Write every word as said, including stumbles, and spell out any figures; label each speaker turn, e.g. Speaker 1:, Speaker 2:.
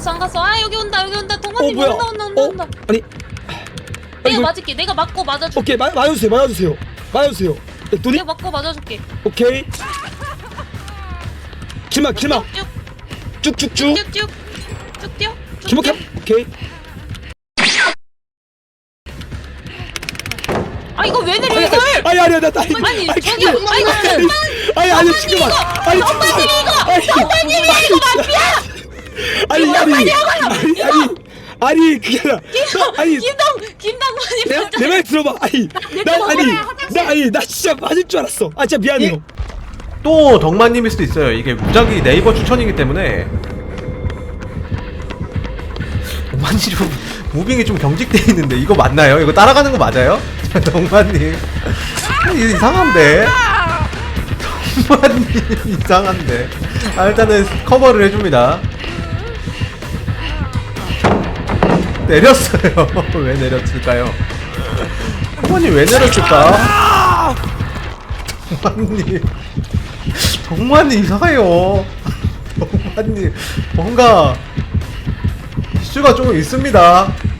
Speaker 1: 갔어 안 갔어. 아 여기 온다 여기 온다. 동환님
Speaker 2: 어, 뭐야?
Speaker 1: 온다 온다 온다
Speaker 2: 어?
Speaker 1: 온다.
Speaker 2: 아니
Speaker 1: 내가
Speaker 2: 이거-
Speaker 1: 맞을게. 내가 맞고 맞아줄게.
Speaker 2: 오케이 마, 맞아주세요 맞아주세요 맞아주세요. 눈이
Speaker 1: 내가 맞고 맞아줄게.
Speaker 2: 오케이 길막 길막
Speaker 1: 쭉쭉
Speaker 2: 쭉쭉쭉
Speaker 1: 쭉쭉 쭉 뛰어. 쭉
Speaker 2: 길막
Speaker 1: 뛰어.
Speaker 2: 오케이.
Speaker 1: 아 이거 왜 내려 이걸?
Speaker 2: 아니 아니 아니 아니
Speaker 1: 아니
Speaker 2: 아니,
Speaker 1: 저기요.
Speaker 2: 그게-
Speaker 1: 아 이거
Speaker 2: 아니 아니 지금 아니
Speaker 1: 정관님 이거
Speaker 2: 아니
Speaker 1: 정관님이 이거 마피아.
Speaker 2: 아니 아니 아니 아니 아니 그게 아니라 아니
Speaker 1: 김동 김동관님
Speaker 2: 내 내 말 들어봐. 아니 나 아니 나 아니 나 진짜 맞을 줄 알았어. 아 진짜 미안해요.
Speaker 3: 또 덕만님일 수도 있어요. 이게 무작위 네이버 추천이기 때문에. 덕만님 좀 무빙이 좀 경직돼 있는데 이거 맞나요? 이거 따라가는 거 맞아요? 덕만님 이거 이상한데? 덕만님 이상한데? 아, 일단은 커버를 해줍니다. 내렸어요. 왜 내렸을까요? 덕만님 왜 내렸을까? 덕만님 덕만님 이상해요. 덕만님 뭔가 이슈가 조금 있습니다.